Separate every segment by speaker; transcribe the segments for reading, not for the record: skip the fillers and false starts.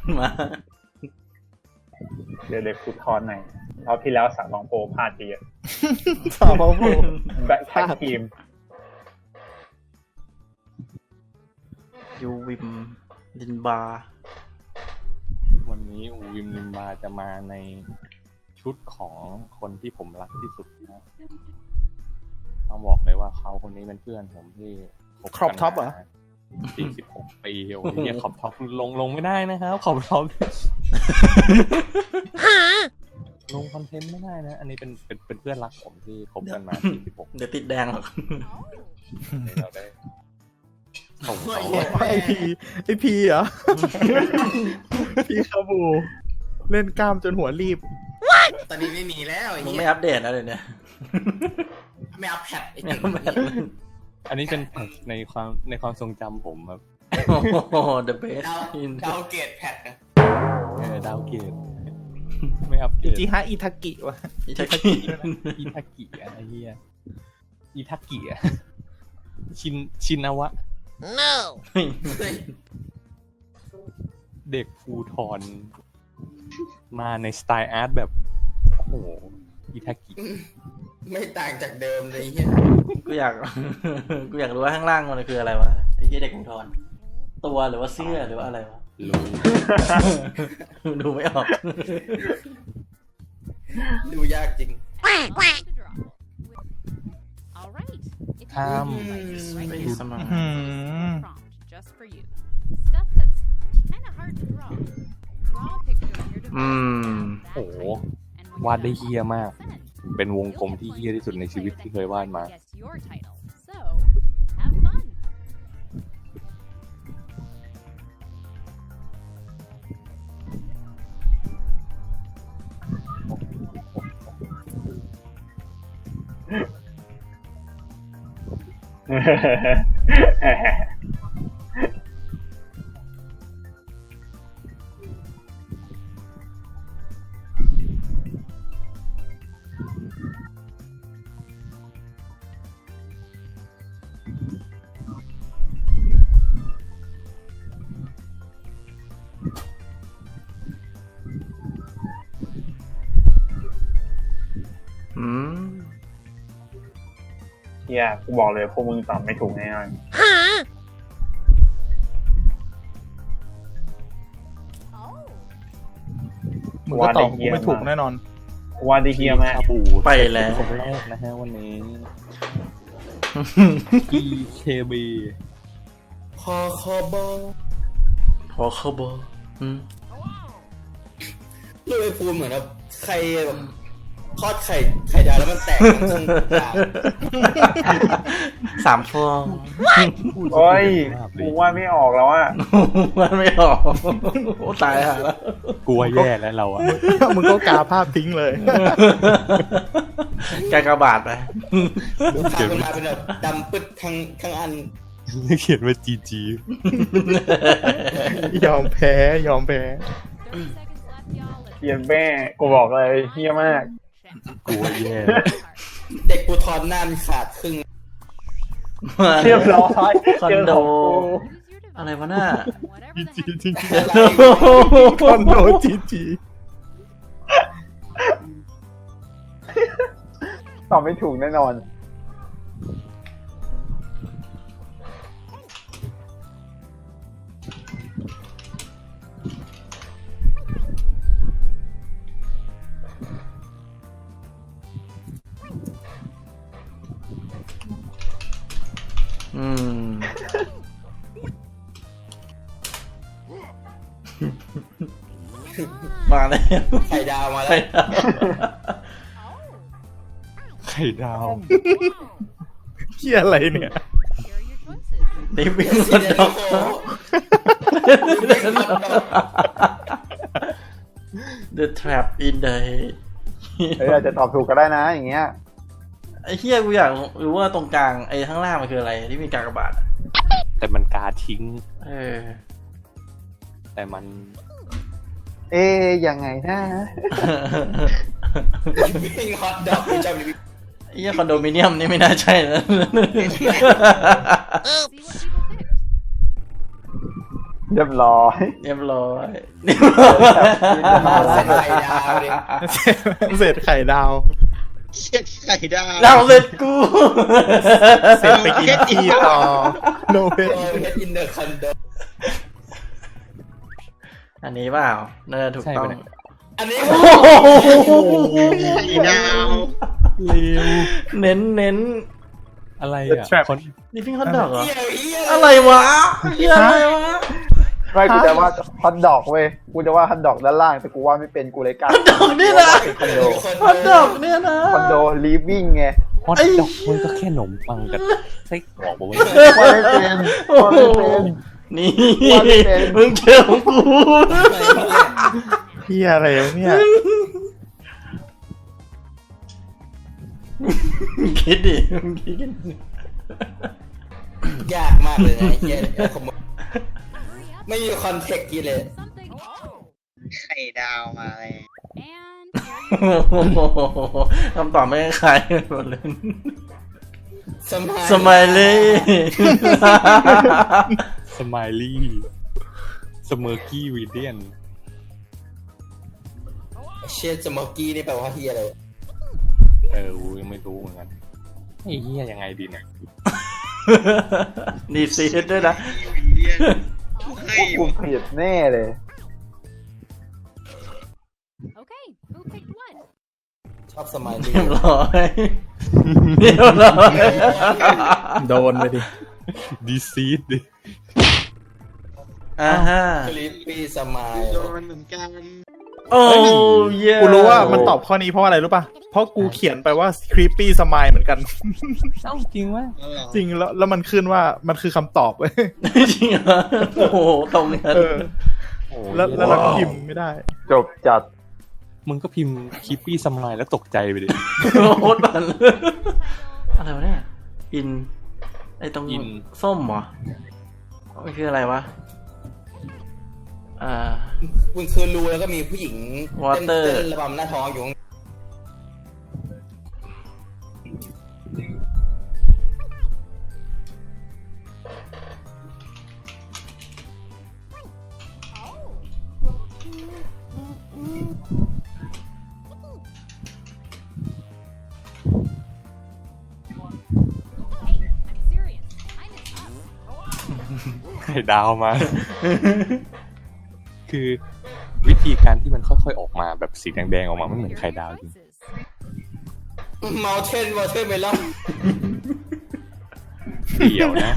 Speaker 1: มา
Speaker 2: เดี๋ยวกูทอนหน่อยรอบที่แล้วสามลองโปรพลาดไปเยอะ
Speaker 3: สาวโผล่
Speaker 2: แบ็คแท็กทีม
Speaker 1: ยูวิมลินบาร์
Speaker 4: วันนี้อูวิมลิมบาจะมาในชุดของคนที่ผมรักที่สุดนะต้องบอกเลยว่าเขาคนนี้เป็นเพื่อนผมที่บ
Speaker 3: ครอบท็อปเหรอ
Speaker 4: 46 ปีโอ้ยเนี่ยขอบท็อปลงไม่ได้นะครับขอบท็อปลงคอนเทนต์ไม่ได้นะ อันนี้เป็นเพื่อนรักผมที่คบกันมา46
Speaker 1: เดี๋ยวติดแดงหรอก
Speaker 4: ปีเราได้ส่งเขา
Speaker 3: ไอพีเหรอ พีคาบูเล่นกล้ามจนหัวรีบ
Speaker 5: ตอนนี้ไม่มีแล้วไอ้
Speaker 1: มึง
Speaker 5: เหี้
Speaker 1: ไม่
Speaker 5: ย
Speaker 1: อัปเดตนะเดี๋ยวนี้
Speaker 5: ไม่อัพแพดไอ้
Speaker 1: ไม่
Speaker 5: เจ๋ง
Speaker 1: อัปเดต
Speaker 4: อันนี้เป็นในความทรงจำผมครับ
Speaker 1: โอ้โห the best
Speaker 5: ดาวเกตแพดนะ
Speaker 4: ดาวเกตไม่อัปเกรด
Speaker 3: จิฮะอิทากิวะ
Speaker 1: อิทากิ
Speaker 4: อิทากิอะไรเฮียอิทากิอะชินาวะ เด็กภูทรมาในสไตล์อาร์ตแบบ โอ้โหอิทากิ
Speaker 5: ไม่ต่างจากเดิมเลยไอ้เหี้ย
Speaker 1: กูอยาก กูอยากรู้ว่าข้างล่างมันคืออะไรวะไอ้เหี้ยเด็กขุนทรตัวหรือว่าเสื้อหรือว่าอะไรวะ
Speaker 4: รู้
Speaker 1: ดูไม่ออก
Speaker 5: ดูยากจริง
Speaker 4: ห้าม
Speaker 1: ไปสมัคร
Speaker 4: โอ้โหวาดได้เฮี้ยมาก เป็นวงกลมที่เฮี้ยที่สุดในชีวิตที่เคยวาดมา
Speaker 2: เฮียกูบอกเลยพวกมึงตอบไม่ถูกแน่นอน
Speaker 3: มึงก็ตอบกูไม่ถูกแน่นอน
Speaker 2: กูว่าได้เฮียมาก
Speaker 4: ชาบู
Speaker 1: ไปแล้ว
Speaker 4: คนแรกนะฮะวันนี้ EKB
Speaker 5: พอคอบอ
Speaker 1: พอเข้าบอ
Speaker 5: ลูกไอ้ภูมิเหมือนแบบใครแบบทอดไข่ดาวแล้วมันแตกทั้งครึ่งกลาง
Speaker 1: 3 ฟอง
Speaker 2: โอ้ยกูว่าไม่ออกแล้วอ่ะ
Speaker 1: มันไม่ออกโอ้ตายห่าแล้ว
Speaker 4: กลัวแย่แล้วเราอะ
Speaker 3: มึงก็กาภาพทิ้งเลย
Speaker 1: กากบาทไป
Speaker 5: ทำมันมาเป็นแบบดำปึ๊ดทั้งอัน
Speaker 4: เขียนว่า GG
Speaker 3: ยอมแพ้ยอมแพ้
Speaker 2: เฮียแม่กูบอกเลยเฮียมาก
Speaker 4: กลัวแย่
Speaker 5: เด็กปูทอนหน้ามันขาดครึ่ง
Speaker 2: เรียบร้อย
Speaker 1: คอนโด อะไรวะน่า
Speaker 3: คอนโดจีจี
Speaker 2: ตอบไม่ถูกแน่นอน
Speaker 1: มาแล้ว
Speaker 5: ไข่ดาวมาแล้ว
Speaker 4: ไข่ดาว
Speaker 3: เฮียอะไรเนี่ย
Speaker 1: นี่วิ่ง
Speaker 5: ซี
Speaker 1: คอน
Speaker 5: เด
Speaker 1: โด
Speaker 5: โร่
Speaker 1: The Trap in the
Speaker 2: เฮ้ยอาจจะตอบถูกก็ได้นะอย่างเงี้ย
Speaker 1: ไอ้เฮียกูอยากรู้ว่าตรงกลางไอ้ข้างล่างมันคืออะไรที่มีกากบาท
Speaker 4: แต่มันกาทิ้ง แต่มัน
Speaker 2: ยังไงนะ
Speaker 5: วิ่งฮอตดอกจำ
Speaker 1: ไอ้เฮียคอนโดมิเนียมนี่ไม่น่าใช่นะ
Speaker 2: เเรียบร้อย
Speaker 1: เรียบร้อยเรียบร้อย
Speaker 5: ใส่ไข่ดาวดิ
Speaker 3: เศษไข่ดาว
Speaker 6: เช็ดไข่ดาว
Speaker 1: เราเสร็จกู
Speaker 3: เศษไปกินขี้ต่อโนเว
Speaker 5: โอ้ยอินเดอร์คันโด
Speaker 1: อันนี้เปล่าน่าจะถูกต้อง
Speaker 4: ใช่ปะเนี่ย
Speaker 5: อันนี้
Speaker 1: โอ้โห
Speaker 6: ไข่ดาว
Speaker 3: เร็ว
Speaker 1: เน้นเน้น
Speaker 4: อะไรอ่ะ
Speaker 3: Trap
Speaker 4: คน
Speaker 1: ดิฟฟิ้งฮอตดอกเหรอ
Speaker 5: เหี้ยเหี้ย
Speaker 1: อะไรวะเหี้ยอะไรวะ
Speaker 2: ไม่กูจะว่าฮอตดอกเว้ยกูจะว่าฮอตดอกด้านล่างแต่กูว่าไม่เป็นกูเลยกล้า
Speaker 1: ฮอตดอกนี่นะ
Speaker 2: คอนโด
Speaker 1: ฮอตดอกเนี่ยนะ
Speaker 2: คอนโดลีฟวิ่งไง
Speaker 4: ฮอตดอกมันก็แค่ขนมปังกับไส้กรอกบอกว่า
Speaker 2: ว่าไม่เป็น
Speaker 1: โอ้
Speaker 2: ว่า
Speaker 1: โห
Speaker 2: ไม่เป็น
Speaker 1: นี่
Speaker 2: ว่าไม่เป็น
Speaker 1: มึงเจอของกู
Speaker 3: เฮียอะไรวะเนี่ย
Speaker 1: คิดดิมึงคิดกัน
Speaker 5: ยากมากเลยนะไอ้เหี้ยผมไม่มีคอนเทกต์กี่เลย
Speaker 6: ไข่ดาวมาเลย
Speaker 1: โอ้โหคำตอบไม่คล้ายกันหมดเลย
Speaker 5: สมัย
Speaker 1: สมัยเลย
Speaker 4: สไมลี่สเมอร์กี้วีเดียน
Speaker 5: เชียสมอกี้นี่แปลว่าเฮียอะไร
Speaker 4: กูยังไม่รู้เหมือนกันไอ้เหี้ยยังไงดีเนี่ย
Speaker 1: นี่ซีดด้วยนะ
Speaker 6: วิลเลียนให้
Speaker 2: กูผิดแน่เลย
Speaker 7: Okay, who picked one?
Speaker 5: ชอบสมัยนี้
Speaker 1: เรียบร้อยเรียบร้อย
Speaker 3: โดนไปดิ
Speaker 4: ดีซีดดิ
Speaker 1: อ่าฮะ
Speaker 5: คลิปปี้สมัย
Speaker 6: โดนเหมือนกัน
Speaker 1: โอ้เย่
Speaker 3: กูรู้ว่ามันตอบข้อนี้เพราะอะไรรู้ป่ะ เพราะกูเขียนไปว่า creepy smile เหมือนกัน
Speaker 4: เอ้าจริงวะ
Speaker 3: จริงแล้วมันขึ้นว่ามันคือคำตอบเว้ย
Speaker 1: จริงเหรอโอ้โหตรงกัน
Speaker 3: เออ
Speaker 4: โอ้
Speaker 3: แล้วเราก็พิมพ์ไม่ได้
Speaker 2: จบจัด
Speaker 4: มึงก็พิมพ์คิปปี้สมายแล้วตกใจไปดิ
Speaker 1: โคตรบันอะไรวะเนี่ยอินไอตรง
Speaker 4: อิน
Speaker 1: ส้มเหรอมันคืออะไรวะ
Speaker 5: คุณคือรู้แล้วก็มีผู้หญิง
Speaker 1: Water
Speaker 5: เต้นระบำหน้าท้องอยู่
Speaker 7: Hey, I'm serious. Time is up.
Speaker 4: ไข่ดาวมา คือวิธีการที่มันค่อยๆออกมาแบบสีแดงๆออกมาไม่เหมือนไข่ดาวจริง
Speaker 7: Choices.
Speaker 5: เมาเทนเมลอน
Speaker 4: เดี่ยวนะ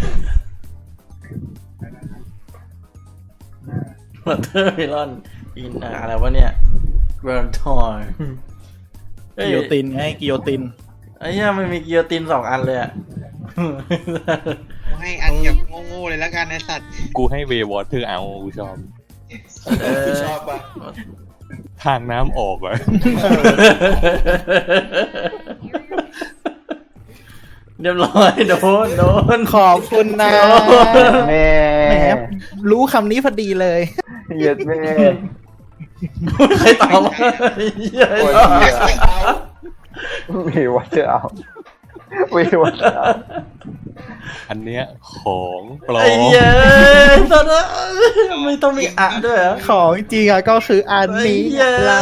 Speaker 1: วอเตอร์เมลอนอินอะไรวะเนี่ยกรานทอย
Speaker 3: กิโยตินไงกิโยติน
Speaker 1: ไอ้เหี้ยมันมีกิโยติน2 อันเลยอะ
Speaker 6: ให้อันแบบโง่ๆเลยแล้วกันไอสัตว์
Speaker 4: กูให้เววอเตอร์เอากูชอบ
Speaker 5: พี่ชอบปะ
Speaker 4: ทางน้ำออกอะ
Speaker 1: เรียบร้อยโดน
Speaker 3: ขอบคุณนะ
Speaker 2: แม่
Speaker 3: แหมรู้คำนี้พอดีเลย
Speaker 2: เหยียดแม่
Speaker 1: ใครตอบวะเหี้ย
Speaker 2: โอ้ย
Speaker 5: ไม่ใช่เขา
Speaker 2: มีวัตเตอร์เอามีวัตเตอร์เอา
Speaker 4: อันเนี้ยของปลอ
Speaker 1: ไอ้
Speaker 4: ม
Speaker 1: เหี้ยตอนนั้นไม่ต้องมีอะด้วยเหรอ
Speaker 3: ของจริงอะก็คืออัน
Speaker 1: ไอ้
Speaker 3: นี้
Speaker 1: เหี้ย
Speaker 3: ละ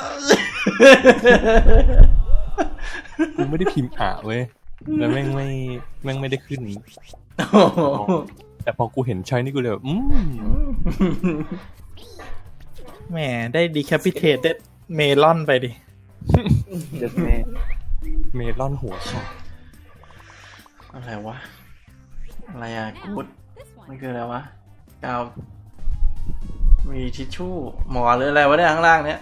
Speaker 4: กูไม่ได้พิมพ์อ่ะเว้ยแล้วแม่งไม่ได้ขึ้น
Speaker 1: โอ้โห
Speaker 4: แต่พอกูเห็นช้อยนี่กูเลยแบบ
Speaker 3: แหมได้ decapitated melon ไปดิ
Speaker 2: เหยียดแม่
Speaker 4: เมลอนหัวขาด
Speaker 1: อะไรวะอะไรอะกูด
Speaker 7: This
Speaker 1: มัน
Speaker 7: one.
Speaker 1: คืออะไรวะกาวมีทิชชู่หมอหรืออะไรวะเนี่ยข้างล่างเนี้ย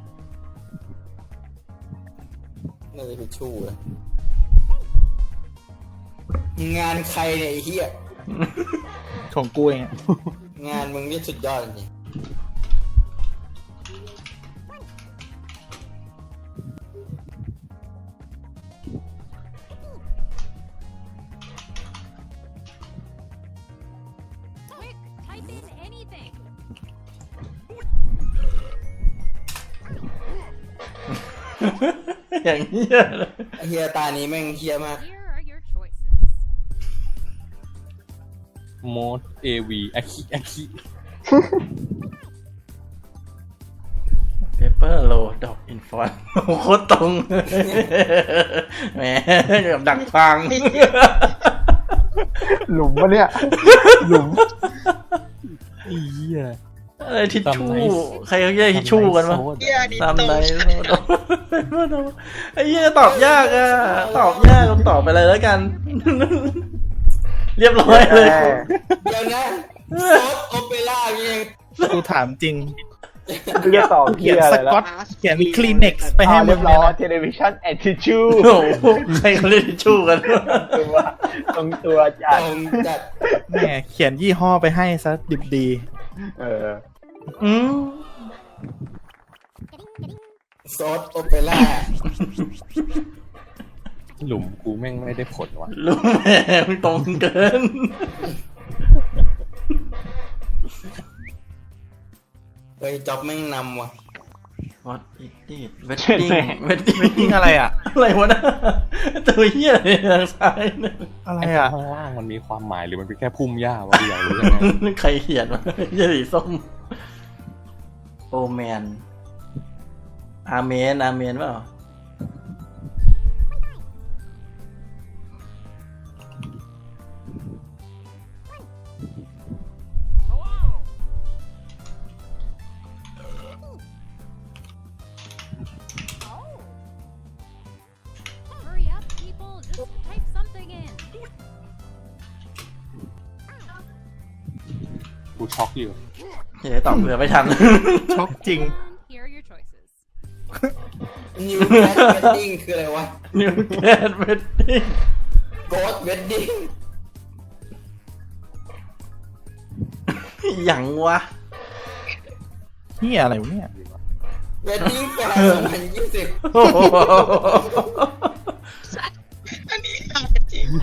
Speaker 5: น่าจะเป็นชู้นะงานใครเนี่ยไอ้เหี้ย
Speaker 3: ของกูเองอะ
Speaker 5: งานมึงนี่สุดยอดจริง
Speaker 7: Quick, type in anything.
Speaker 1: อย่างเงี้ยเลย
Speaker 5: ไอ้เหี้ยตานี้แม่งเหี้ยมาก
Speaker 7: Here are your choices.
Speaker 4: โมดเอวีอาคิ
Speaker 1: เปเปอร์โลดอกอินฟอนโคตรตรงแหมแบบดักฟัง
Speaker 2: หลุมวะเนี่ยหลุม
Speaker 4: อีเหี้ย
Speaker 1: อะไรทิชชู่ใครเขาเรียกทิชชู่กันวะ
Speaker 6: เหี้ยนี่
Speaker 1: ตาม
Speaker 6: โต
Speaker 1: ไหนไอ้เหี้ยตอบยากอะตอบยากตอบไปเลยแล้วกัน เรียบร้อยเลย
Speaker 5: เดี๋ยวนะซอสโอเปร่านี่เอง
Speaker 3: กูถามจริง
Speaker 2: กูจะตอบเพี้
Speaker 3: เขียน
Speaker 2: ยอะ
Speaker 3: ส
Speaker 2: ไร
Speaker 3: กอ
Speaker 2: แล้ว
Speaker 3: ตเขียนคลีเน็กซ์ไปให้
Speaker 2: ให้
Speaker 3: มึ
Speaker 2: เรีย
Speaker 3: ง
Speaker 2: บ
Speaker 3: เล
Speaker 2: ร้
Speaker 3: ย
Speaker 2: อย
Speaker 3: นะ
Speaker 2: เทเลวิชันแอนทิชู
Speaker 1: โอ้โหใครเขาเรียกทิชชู่กัน
Speaker 2: ตัวตรงตัวจั
Speaker 5: ต
Speaker 2: ด
Speaker 5: รงจัด
Speaker 3: แหมเขียนยี่ห้อไปให้ซะดิบดี
Speaker 2: เออ
Speaker 1: อืม
Speaker 5: ซอสโอเปร่า
Speaker 4: หลุมกูแม่งไม่ได้ผลว่ะ
Speaker 1: รู้แหมตรงเกิน
Speaker 5: เฮ้ยจ็อบแม่งนำว่ะ
Speaker 1: What is it wedding wedding
Speaker 3: ยิ่งอะไรอ่ะ
Speaker 1: อะไรวะนะตัวเหี้ยอะไรทางซ้ายเนี่ย
Speaker 3: อะไร
Speaker 4: ไอ้
Speaker 3: อ่ะ
Speaker 4: ข้างล่างมันมีความหมายหรือมันเป็นแค่พุ่มหญ้าวะอยากรู้ยังไง
Speaker 1: ใครเขียนวะเหี้ยสีส้มโอแมนอาเมนอาเมนเปล่า
Speaker 7: Hurry up, people. Just type something in.
Speaker 4: กูช็อกอยู่
Speaker 1: เฮ้ยตอบเผื่อไม่ทัน
Speaker 3: ช็อกจริง
Speaker 7: Here are your choices.
Speaker 5: นิวแคทเวดดิ้งคืออะไรวะ
Speaker 1: New Cat Wedding
Speaker 5: โกดเวดดิ้ง
Speaker 1: อย่างวะ
Speaker 3: นี่อะไรวะเนี่ย
Speaker 5: เวดดิ้งแฟร์2020
Speaker 1: โอ้โห
Speaker 6: อันนี้เอาจริง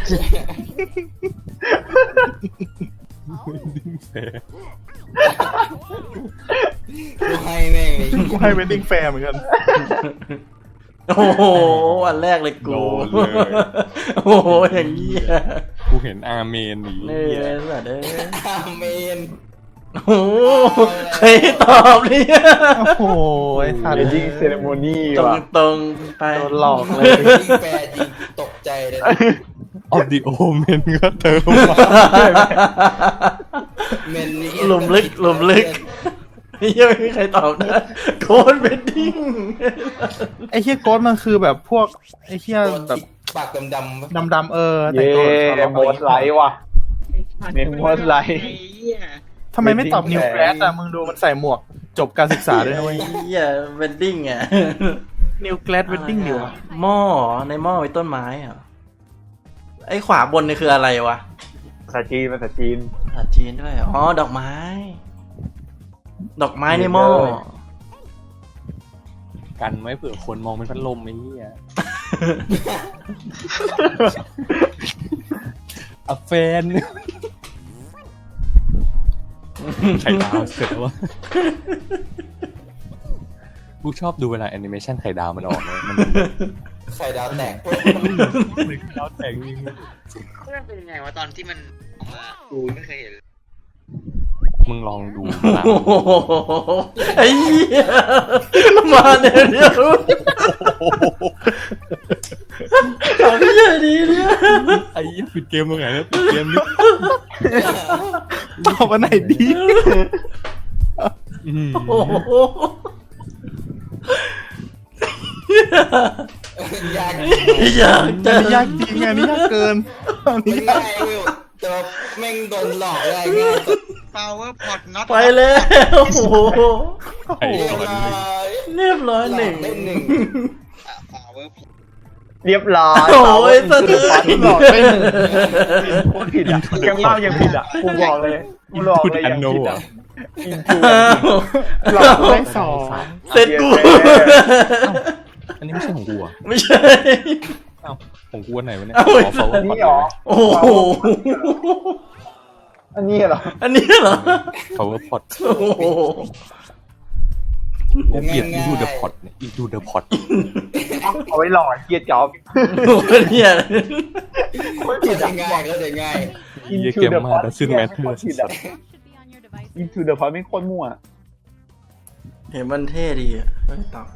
Speaker 5: กูให้แม่งเลย
Speaker 3: กูให้เวดดิ้งแฟร์เหมือนกัน
Speaker 1: โอ้โหอันแรกเลยกู
Speaker 4: โดนเลย
Speaker 1: โอ้โหอย่างเงี้ย
Speaker 4: กูเห็นอาเมนหนี
Speaker 1: นี่เลยสัตว์เอ้ย
Speaker 5: อาเมน
Speaker 1: โอ้โหใครตอบเนี่ย
Speaker 3: โอ้โหไอ้สัตว์
Speaker 2: เวดดิ้งเซเลโมนี
Speaker 1: ตรง
Speaker 2: ว่ะ
Speaker 1: ตรงๆไป
Speaker 3: โดนหลอกเลย
Speaker 5: เวดดิ้งแฟร์จริงตกใจเลย
Speaker 4: ออฟดิโอเมนก็เติมมา
Speaker 5: เมนนี่
Speaker 1: หลุมลึกหลุมลึกยังไม่มีใครตอบนะโค้ดเวดดิ้ง
Speaker 3: ไอ้เฮียโกดมันคือแบบพวกไอ้เฮีย
Speaker 5: ตัว
Speaker 3: แบบ
Speaker 5: ที่ปากดำๆปะ
Speaker 3: ดำๆแต่
Speaker 2: เย้
Speaker 3: งตัว
Speaker 2: โมดไลท์ว่ะเมนโมดไล
Speaker 6: ไอ้
Speaker 2: ท์
Speaker 6: เหี้ย
Speaker 3: ทำไมไม่ตอบนิวแกรสอ่ะมึงดูมันใส่หมวกจบการศึกษาด้วยนะเว้ย
Speaker 1: เหี้ยเวดดิ้งอ่ะ
Speaker 3: นิวแกรสเวดดิ้งเดียวอะ
Speaker 1: หม้อในหม้อไว้ต้นไม้อ่ะไอ้ขวาบนนี่คืออะไรวะ
Speaker 2: ภาษาจีนภาษาจีน
Speaker 1: ภาษาจีนด้วยอ๋อดอกไม้ ดอกไม้ในหม้อ
Speaker 2: เลย
Speaker 4: กันไว้เผื่อคนมองเป็นพัดลมไอ้เหี้ยอะแฟนไข่ดาวเสร็จแล้ววะกูชอบดูเวลาแอนิเมชันไข่ดาวมันออกเลยมัน
Speaker 5: ไข่ดาวแตก
Speaker 4: เหมือนดาวแต่งจริง
Speaker 6: มันเป็นยังไงวะตอนที่มันออกมากูไม่เคยเห็น
Speaker 4: มึงลองดู
Speaker 1: โอ้โหไอ้เหี้ยมาเนี่ยเดียวเอาเหี้ยดีเนี่ย
Speaker 4: ไอ้ยี่ปิดเกมตรงไหนนะปิดเกมนี่
Speaker 3: ตอบอันไหนดี
Speaker 1: โอ้โห
Speaker 5: ยาก
Speaker 1: อยาก
Speaker 3: อั
Speaker 1: จะ
Speaker 3: นนี้ยากจริงอันนี้ยากเกินอันนี้
Speaker 5: ไม่
Speaker 3: ยาก
Speaker 5: ง่ายเว้ยแต่ว่าแม่งโดนหลอกได้ง่ายสุด
Speaker 6: power pot not
Speaker 1: ไปแล้วโอ้โห
Speaker 4: ไอ้
Speaker 5: เรียบ
Speaker 4: ตอน
Speaker 5: ร้อ
Speaker 4: นี้
Speaker 5: ย
Speaker 1: เรียบร้อยหนึ่ง
Speaker 5: ได้หนึ่ง
Speaker 6: power pot
Speaker 2: เรียบร้อย
Speaker 1: โอ้ยสะเทือน
Speaker 2: หลอกได้หนึ่งโคตรผิดอ่ะยังเล่ายังผิดอ่ะกูบอกเลยกูหลอกเลยยังผิดอ่ะอินทู
Speaker 1: อ้าว
Speaker 3: หลอกได้สอง
Speaker 1: เสร็จกู
Speaker 4: อันนี้ไม่ใช่ของกูอ่ะ
Speaker 1: ไม่ใช่
Speaker 4: ของกูอันไหนวะเนี่ย
Speaker 1: เอา
Speaker 4: ขอ follow
Speaker 2: อันนี้เหรอ
Speaker 1: โอ้โห
Speaker 2: อันนี้เหรอ
Speaker 1: อันนี้เหรอ
Speaker 4: power pot
Speaker 1: โอ้โห
Speaker 4: กูเกลียด into the pot เนี่ย into the pot
Speaker 2: เอาไว้หลอกเกียร์จ็อบ
Speaker 1: โอ้โหเนี่ย
Speaker 2: ไม่ผิด
Speaker 5: เข้า
Speaker 2: อ่ะ
Speaker 5: ใจง่ายเข้าใจง่าย
Speaker 4: เยี่ยเกมมาดัซซินแมทเทอร์
Speaker 2: ผิดอ่ะ
Speaker 7: Should be on your devices.
Speaker 2: Into the Point ไม่โคตรมั่ว
Speaker 1: เห็นมันเท่ดีอ่ะไม่ตอบ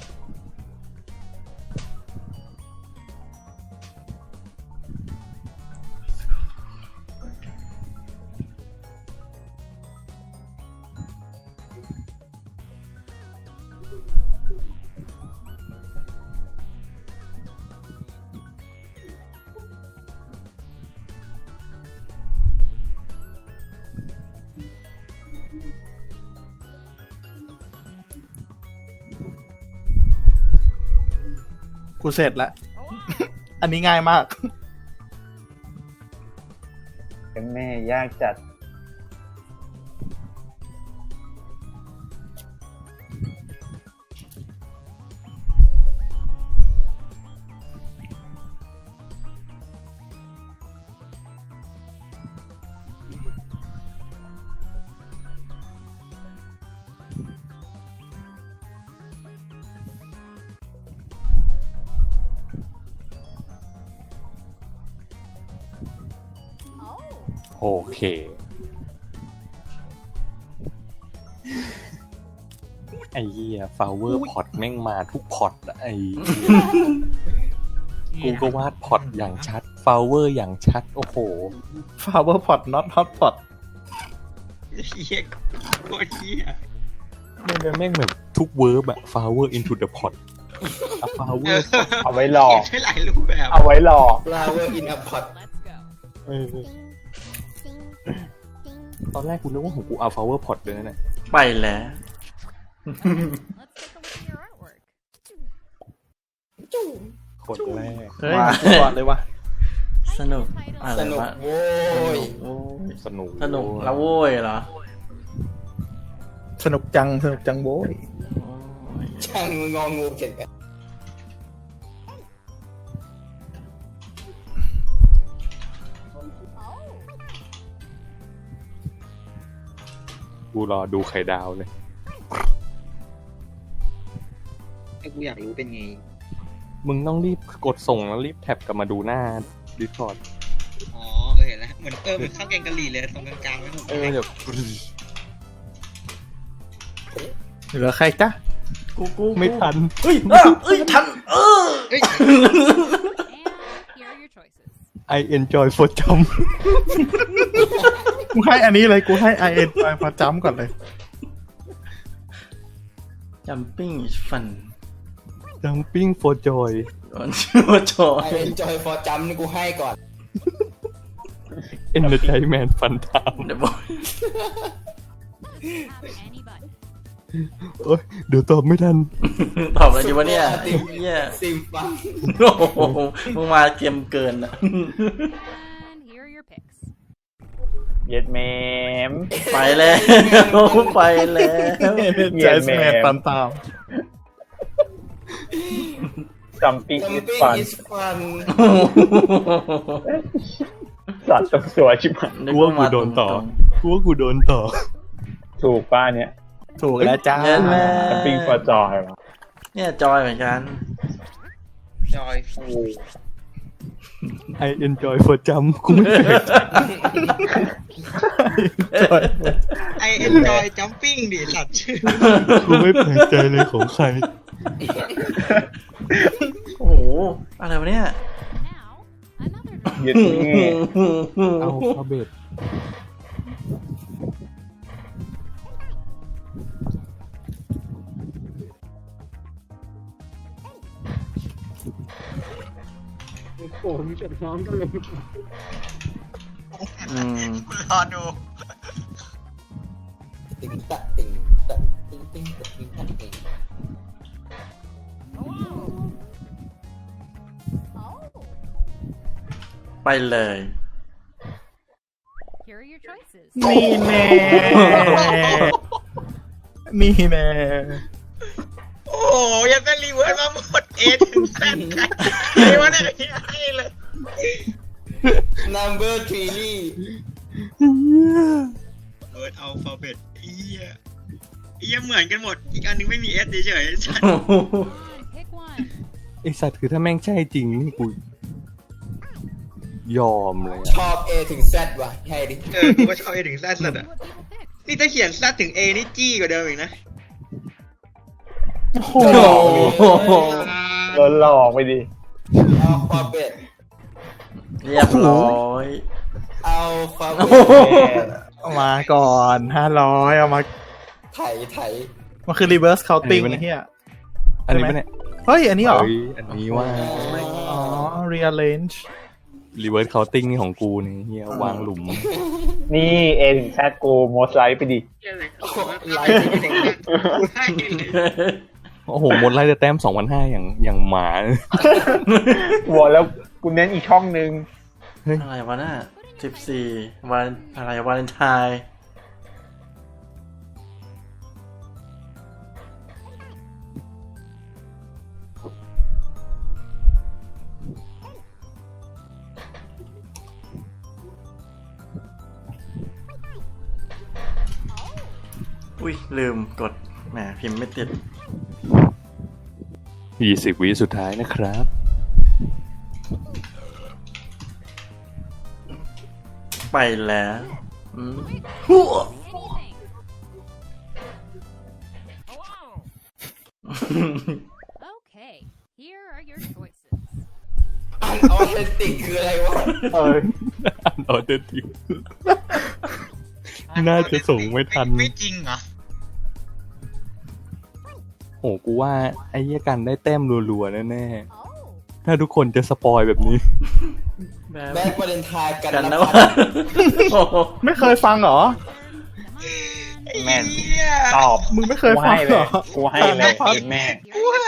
Speaker 3: กูเสร็จแล้ว อันนี้ง่ายมาก
Speaker 2: เป็นแม่ยากจัด
Speaker 4: โอเค ไอ้เหี้ยฟลาวเวอร์พอตแม่งมาทุกพอตอะไอ้กูก็วาดพอตอย่างชัดฟลาวเวอร์อย่างชัด โอ้โห
Speaker 3: flower pot not hot pot
Speaker 6: เฮียโคตรเฮีย
Speaker 4: แม่งแบบทุกเวิร์บอะ flower into the pot อะ flower
Speaker 2: เอาไว้หลอก
Speaker 6: ใช้หลายรูปแบบ
Speaker 2: เอาไว้หลอก
Speaker 5: flower in a pot
Speaker 7: Let's go.
Speaker 4: เออตอนแรกกูนึกว่าของกูเอา flower pot เลยนะเนี่ย
Speaker 1: ไปแล้ว
Speaker 7: Let's take a look at your artwork.
Speaker 4: คนแรก
Speaker 3: เฮ้ย
Speaker 1: มา
Speaker 3: กูก่อนเลยว่ะ
Speaker 1: สนุกอะไร
Speaker 5: สนุก
Speaker 1: วะ
Speaker 5: โว้ย
Speaker 1: โอ้ย
Speaker 4: สนุก
Speaker 1: สนุกแล้วโว้ยเหรอ
Speaker 3: สนุกจังโว้ย
Speaker 1: โอ้ย
Speaker 5: ช่างงองูเก่งกัน
Speaker 4: กูรอดูไข่ดาวเลย
Speaker 6: ไอ้กูอยากรู้เป็นไง
Speaker 4: มึงต้องรีบกดส่งแล้วรีบแท็บกลับมาดูหน้าดิสคอร์ด
Speaker 6: อ๋อเห็นแล้วเหมือนมันข้าวแกงกะหรี่เลยตรงกลางๆไม่ถูก
Speaker 4: เดี๋ยว
Speaker 3: เหลือใครจ๊ะ
Speaker 1: กู
Speaker 4: ไม่ทัน
Speaker 1: เอ้ยทัน
Speaker 6: เอ้ย
Speaker 7: And here are your choices.
Speaker 4: I enjoy for jump
Speaker 3: กูให้อันนี้เลย กูให้ IN ไปพอจำก่อนเลย
Speaker 1: jumping is fun
Speaker 4: jumping for joy
Speaker 1: ชื่อว่าจอ
Speaker 5: ไอเอ็นจอยฟอร์จัมนี่กูให้ก่อน
Speaker 4: entertainment fun time
Speaker 1: เดี๋ยวบอก
Speaker 7: Have any button.
Speaker 4: โอ๊ยเดี๋ยวตอบไม่ทัน
Speaker 1: ตอบอะไรดีวะเนี่ยไอ้เหี้ย
Speaker 5: ซิมฟัง
Speaker 1: โอ้โหมึงมาเกมเกินอ่ะ
Speaker 7: And here are your picks.
Speaker 2: เย็ดแมม
Speaker 1: ไปแล้วไปแล้ว
Speaker 3: ใจสแมนตาม
Speaker 2: จัมปิ้ง
Speaker 5: จัม
Speaker 2: อิส
Speaker 5: ปิ้ง
Speaker 2: ฟัน
Speaker 5: อิสฟัน
Speaker 2: สัตว์ต้องสวยชิบหาย
Speaker 1: นึ
Speaker 4: กูว่ากูโดนต่อ กูว่ากูโดนต่อ
Speaker 2: ถูกป้าเนี่ย
Speaker 3: ๆ ถูกแล้วจ้า
Speaker 1: เย็นแม่
Speaker 2: จัมปิ้งฟอร์จอย
Speaker 1: เนี่ยจอยเหมือนกัน
Speaker 6: จอยฟู
Speaker 4: I enjoy for jump กูไม่แปลกใจ
Speaker 6: ไอเอ็นจอยจัมปิ้งดิสัตว์ชื่อ
Speaker 4: กูไม่แปลกใจเลยของใคร
Speaker 1: โอ้โหอะไรวะเนี่ย
Speaker 7: Now, another button.
Speaker 2: เย็ดแม่
Speaker 4: เอาฟาเบต
Speaker 1: อืม
Speaker 6: รอดู
Speaker 5: ติงตะติงตะติงติงตะติงตะติง
Speaker 1: ไปเลย
Speaker 7: Here are your choices.
Speaker 3: นี่แน่ นี่แน่
Speaker 6: โอ้โหยังเป็นรีเวิร์สมาหมดเอถึงแซนใครวะเนี่ยให้เลย
Speaker 5: นัมเบอร์ทรีลี่
Speaker 6: เวิร์ดอัลฟาเบตเอี้ยเหมือนกันหมด อีกอันนึงไม่มีเอสเฉยๆสัตว์
Speaker 7: Come on, pick one.
Speaker 4: ไอสัตว์คือถ้าแม่งใช่จริงนี่กูยอมเลย
Speaker 5: ชอบ A ถึง Z ว่ะให้ดิ
Speaker 6: กูก็ชอบเอถึงแซนสัตว์อ่ะ
Speaker 7: What people picked.
Speaker 6: นี่ถ้าเขียนซัดถึง A นี่จี้กว่าเดิมอีกนะ
Speaker 3: โอ้โห
Speaker 1: โอ้โห
Speaker 2: โดนหลอกไปดิ
Speaker 5: เอาความเป็ด
Speaker 1: เรียบร้อย
Speaker 5: เอาความ
Speaker 1: โอ้
Speaker 5: เป็ด
Speaker 1: โห
Speaker 3: เอามาก่อน500เอามา
Speaker 5: ไถไถ
Speaker 3: มันคือ reverse counting ไอ้เหี้ย
Speaker 4: อันนี้ปะเนี่ย
Speaker 3: เฮ้ย อันนี้เหรอ
Speaker 4: เฮ้ยอันนี้ว่า
Speaker 3: อ๋อ rearrange
Speaker 4: reverse counting นี่ของกูนี่เฮียวางหลุม
Speaker 2: นี่ A ถึง Z กูโมสไลท์ไปดิ
Speaker 5: ไลฟ์
Speaker 4: โอ้โหหมดไล่แต่แต้ม 2,500อย่างหมา
Speaker 2: บอกแล้วกูเน้นอีกช่องนึง
Speaker 1: อะไรวะน่ะ14วันอะไรวาเลนไทน์อุ้ยลืมกดแหมพิมพ์ไม่ติด
Speaker 4: 20 วิสุดท้ายนะครับ
Speaker 1: ไปแล้วอืมหัว
Speaker 7: Anything. Okay, here are your choices.
Speaker 5: อันออเทนติกคืออะไรวะ
Speaker 2: เออ
Speaker 4: อันออเดอร์ทิว น่าจะส่งไม่ทัน
Speaker 6: ไม่จริงเหรอ
Speaker 4: โอ้กูว่าไอ้เหี้ยกันได้แต้มรัวๆแน่
Speaker 7: Oh.
Speaker 4: ๆ ถ้าทุกคนจะสปอยแบบนี้
Speaker 1: แบบ
Speaker 5: แบดวาเลนไทน์กัน
Speaker 1: กัน
Speaker 5: นะ
Speaker 1: นะ
Speaker 5: พั
Speaker 1: วะ
Speaker 5: ฒน์
Speaker 1: โอ้โห
Speaker 3: ไม่เคยฟังเหรอ
Speaker 2: แม่น
Speaker 6: เหี้ย
Speaker 2: ตอบ
Speaker 3: มึงไม่เคยฟังเหรอ
Speaker 2: กูให้เลย แม่
Speaker 6: กูให้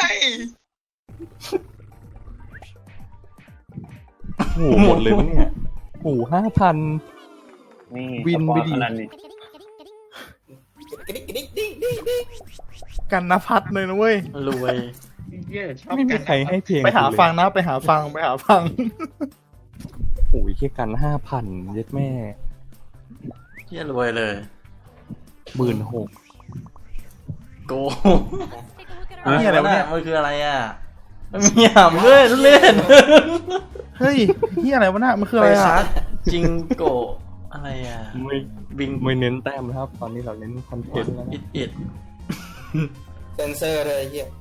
Speaker 4: โอ้โหหมดเลยมั้งเนี่ยโอ้โห5,000
Speaker 2: นี่
Speaker 4: วินไปดิ
Speaker 2: ขนาดนี้
Speaker 5: กระดิกกระดิกดิ๊กดิ๊กดิ๊ก
Speaker 3: กันนภัทรเลยนะเว้ย
Speaker 1: รวย
Speaker 6: เหี้ยชอบ
Speaker 4: ไม่มี
Speaker 6: กัน
Speaker 4: ใครให้เพลง
Speaker 3: ไปหา
Speaker 4: กูเลย
Speaker 3: ฟังนะ ไปหาฟัง ไปหาฟัง
Speaker 4: โอ้ยแค่กัน 5,000 เย็ดแม่
Speaker 1: เที่ยรวยเลย
Speaker 4: 16,000
Speaker 1: โก
Speaker 7: Let's take a look at
Speaker 3: นี่อะไรวะเนี่ย
Speaker 1: มันคืออะไรอ่ะมันมีหำด้วยทุเล่น
Speaker 3: เฮ้ยนี่อะไรวะน่ะมันคือ
Speaker 1: ไป
Speaker 3: อะไร
Speaker 1: ซั
Speaker 3: อ่ะ
Speaker 1: ดจิงโกะอะไรอ่ะ
Speaker 4: ไม่
Speaker 1: บิง
Speaker 4: ไม่เน้นแต้มนะครับ ตอนนี้เราเน้นคอนเทนต์แล้ว
Speaker 1: อิ
Speaker 4: นะ
Speaker 1: ดอิด
Speaker 5: เซนเซอร์เลยไอ้เฮีย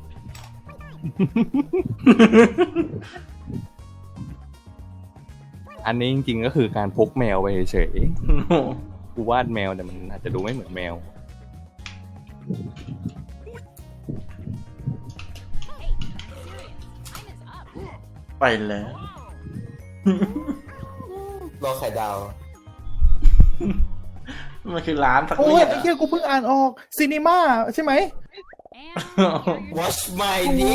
Speaker 4: อันนี้จริงๆก็คือการพกแมวไปเฉยๆกูวาดแมวแต่มันอาจจะดูไม่เหมือนแมว
Speaker 7: Hey, I'm serious. Time is up.
Speaker 1: ไปแล้ว
Speaker 5: รอไข่ดาว
Speaker 1: มันคือร้านสัก
Speaker 3: โอ้
Speaker 1: เรี
Speaker 3: ย
Speaker 1: ย
Speaker 3: ไอ้เหี้ยกูเพิ่งอ่านออกซีนีมาใช่ไหม
Speaker 7: And here are your
Speaker 5: Watch my
Speaker 3: โอ้
Speaker 5: dick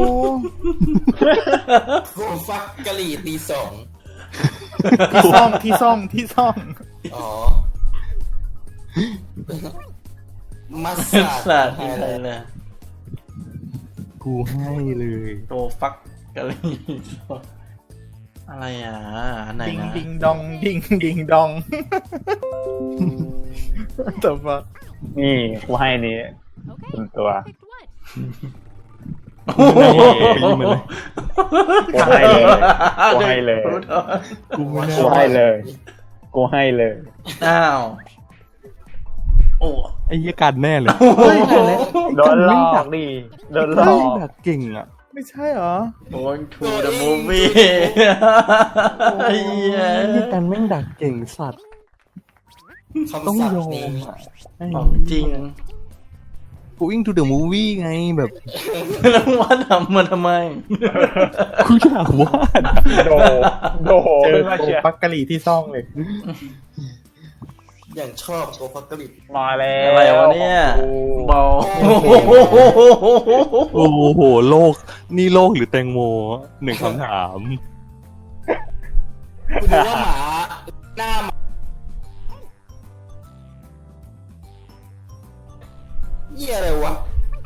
Speaker 5: โคฟักกะหรี่ตี 2
Speaker 3: ที่ซ่อง
Speaker 5: อ๋อ มัส
Speaker 1: สั
Speaker 5: ซา
Speaker 1: ต
Speaker 5: ด
Speaker 1: ว์อะไรเลย
Speaker 4: กูให้เลย
Speaker 1: โตฟักกะลีอะไรอ่ะอันไหน
Speaker 3: ดิง
Speaker 1: นะ
Speaker 3: ดิงดองดิงดิงดองแต่ว่า
Speaker 2: นี่กูให้นี่
Speaker 7: Okay,
Speaker 2: Con tua.
Speaker 7: picked what?
Speaker 1: โอ้โห
Speaker 2: กูให้เลย กูให้เลย
Speaker 4: กูไม่
Speaker 2: กู
Speaker 4: น่า
Speaker 2: ให้เลย กูให้เลย
Speaker 1: อ้าวโอ้
Speaker 4: ไอ้เหี้ยกันแน่เลย
Speaker 3: เฮ้ย
Speaker 2: โดนหลอกดิ โดนหลอ
Speaker 4: ไม่
Speaker 2: ก
Speaker 4: ดักเก่งอ่ะ
Speaker 3: ไม่ใช่เหรอ
Speaker 1: going to the movie ไอ้เหี้ย
Speaker 4: ไอ้เหี้ยกันแม่งดักเก่งสัตว์ ต้อง
Speaker 5: คำศัพ
Speaker 4: ยอ
Speaker 5: ท์นี้
Speaker 4: มอ่ะไอ้
Speaker 1: ของจริง
Speaker 4: Going to the movie ไงแบบ
Speaker 1: แล้วว่าทำมันทำไม
Speaker 4: กูอยากวาดอะ
Speaker 2: โด
Speaker 3: เจอ
Speaker 2: ขึ้นมา
Speaker 3: โก
Speaker 2: เชียร์
Speaker 3: ปักกะหรี่ที่ซ่องเลย
Speaker 5: อย่างชอบโคฟักกะหรี่
Speaker 2: มาแล้ว
Speaker 1: อะไรวะเนี่ยบอล
Speaker 4: โอ้โหโลก นี่โลกหรือแตงโมหนึ่งคำถาม
Speaker 5: คุณดูว่าหมาหน้าหมาเหี้ยอะไรวะ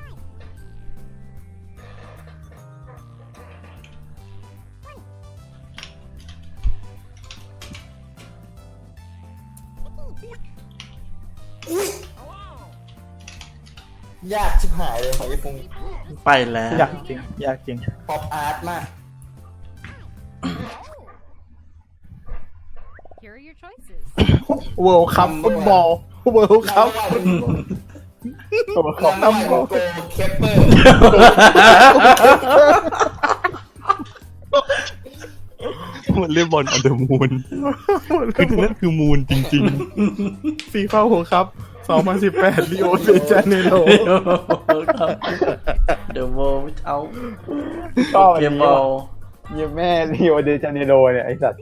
Speaker 5: อุ๊ยยากชิบหายเลยหอยฟง
Speaker 1: ไปแล้ว
Speaker 3: อยากจริง อยากจริง
Speaker 5: ป๊อปอาร์ตมาก
Speaker 7: Here are your choices.
Speaker 3: World Cup ฟุตบอลเวิลด์ครับ
Speaker 2: โอ้ขอบ
Speaker 5: รางวัลของโกเคปเปอร์
Speaker 4: มันเรียกบอลอันเดอร์มูนคือนั่นคือมูนจริง
Speaker 3: ฟีฟ่าเวิลด์ครับ2018 ริโอเดจาเนโร
Speaker 1: เดอะโวเอา
Speaker 2: ชอบอัน
Speaker 1: เกม
Speaker 2: นี้
Speaker 1: บอล
Speaker 2: เยี่ยแม่ริโอเดจาเนโรเนี่ยไอ้สัตว์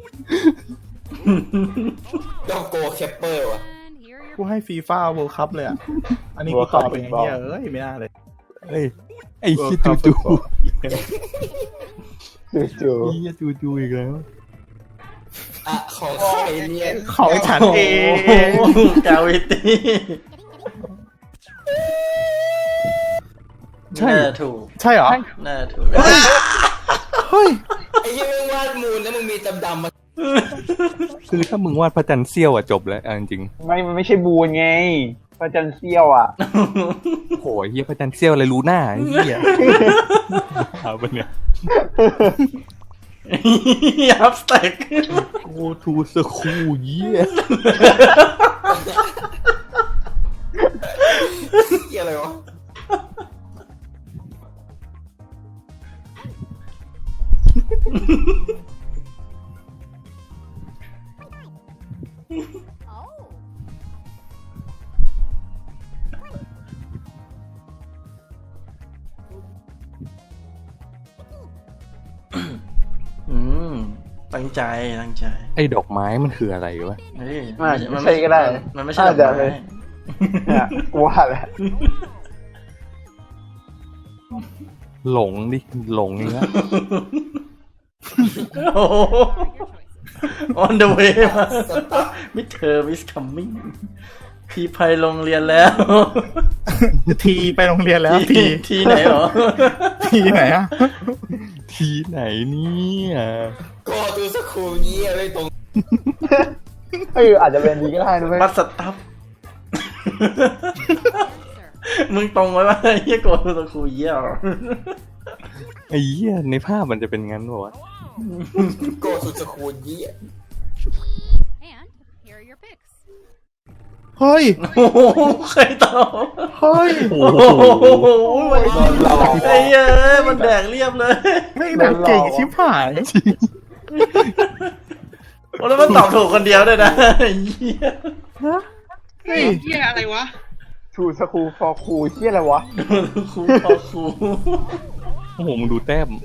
Speaker 5: ต้องโกเคปเปอร์ว่ะ
Speaker 7: And here are
Speaker 3: กู
Speaker 7: your
Speaker 3: ให้ฟีฟ่าเวิลด์คัพเลยอ่ะ อันนี้กูตอบเองเนี่ยไม่น่าเลย
Speaker 4: ๆเฮ้ยไอ้ชิจูจู
Speaker 2: จู่
Speaker 4: เฮียจูจูอีกแล้ว
Speaker 5: อ่ะของใครเนี่ย
Speaker 3: ของฉันเอง
Speaker 1: กาวิตี้
Speaker 4: ใช่
Speaker 1: น่าถูก
Speaker 3: ใช่เหรอ
Speaker 1: น่าถูก
Speaker 3: เฮ้ย
Speaker 5: ไอ้ที่มึงวาดมูลแล้วมึงมีดำๆมา
Speaker 4: คือถ้ามึงวาดพระจันทร์เสี้ยวอะจบแล้วเอาจริง
Speaker 2: ๆมันไม่ใช่บูนไงพระจันทร์เสี้ยวอ่ะ
Speaker 4: ๆโหเฮียพระจันทร์เสี้ยวอะไรรู้หน้าไอ้เฮียเอาปะเนี่ย
Speaker 1: อัพสแต็ก
Speaker 4: go to school เฮีย
Speaker 5: เกี่ยอะไรวะ
Speaker 7: Oh.
Speaker 1: อืมตั้งใจตั้งใจ
Speaker 4: ไอ้ดอกไม้มันคืออะไรวะ
Speaker 1: เฮ้ย
Speaker 2: ไม่ใช่ก็ได้
Speaker 1: มันไม่ใช่ดอก
Speaker 2: อาจจะ
Speaker 1: ไม้
Speaker 2: เนี่ยกูว่าแหละ
Speaker 4: หลงดิหลงนี่ละ
Speaker 1: โอ้โห
Speaker 7: Your choices.
Speaker 1: on the way มามิเธอ is coming พี่ไปโรงเรียนแล้ว
Speaker 3: ทีไปโรงเรียนแล้วที
Speaker 1: ที่ไหนหรอ
Speaker 3: ทีไหนอ่ะ
Speaker 4: ทีไหนเนี่ย
Speaker 5: โกตูสคูลเยี่ยไม่ตรง
Speaker 2: อาจจะเป็นดีก็ได้นะเว้ย
Speaker 1: บัสตัฟ
Speaker 7: Sir.
Speaker 1: มึงตรงไว้ว่าเฮียโกตะคูเยี่ย
Speaker 4: ไอ้เหี้ยในภาพมันจะเป็นงั้นป่าวะ
Speaker 5: โกตูสคูลเยี่ย
Speaker 7: And here are your picks.
Speaker 3: เฮ้ย
Speaker 1: โอ้โหใครตอบ
Speaker 3: เฮ้ย
Speaker 1: โอ้โหไอ้เหี้ยมันแดกเรียบเลย
Speaker 3: ไม่หนักเก่งชิบหาย
Speaker 1: โอ้แล้วมันตอบถูกคนเดียวด้วยนะไอ้เหี้ย
Speaker 3: เฮ้ย
Speaker 6: เฮียอะไรวะ
Speaker 2: ทูสคูลฟอร์คูลเชี่ยอะไรวะ
Speaker 1: ครูพอครู
Speaker 4: โอ้โหมึงดูแต้ม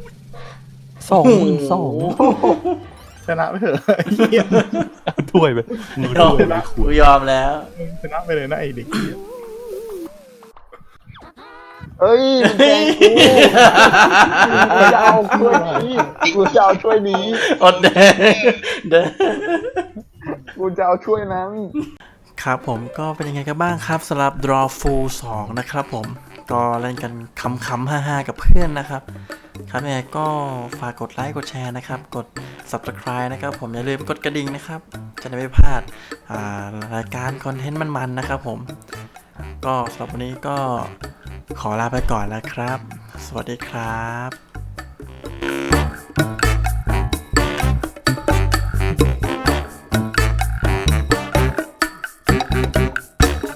Speaker 4: 2,200
Speaker 3: ชนะไปเถอะไอ้เหี้ย
Speaker 4: เอาถ้วยไปมึง
Speaker 1: ยอ
Speaker 4: ถ้วย
Speaker 1: ม
Speaker 4: ไป
Speaker 1: กูยอมแล้ว
Speaker 3: ชนะไปเลยนะไอ้เด็กเหี้ย
Speaker 2: เฮ้ยมันแกล้งกูจะเอาถ้วยนี้กูจะเอาถ้วยนี้
Speaker 1: อดแดงแดง
Speaker 2: กูจะเอาถ้วยนั้น
Speaker 1: ครับผมก็เป็นยังไงกันบ้างครับสำหรับ Draw Full 2 นะครับผมก็เล่นกันขำๆฮ่าๆกับเพื่อนนะครับครับยังไงก็ฝากกดไลค์กดแชร์นะครับกด Subscribe นะครับผมอย่าลืมกดกระดิ่งนะครับจะได้ไม่พลาดรายการคอนเทนต์มันๆนะครับผมก็สำหรับวันนี้ก็ขอลาไปก่อนแล้วครับ สวัสดีครับ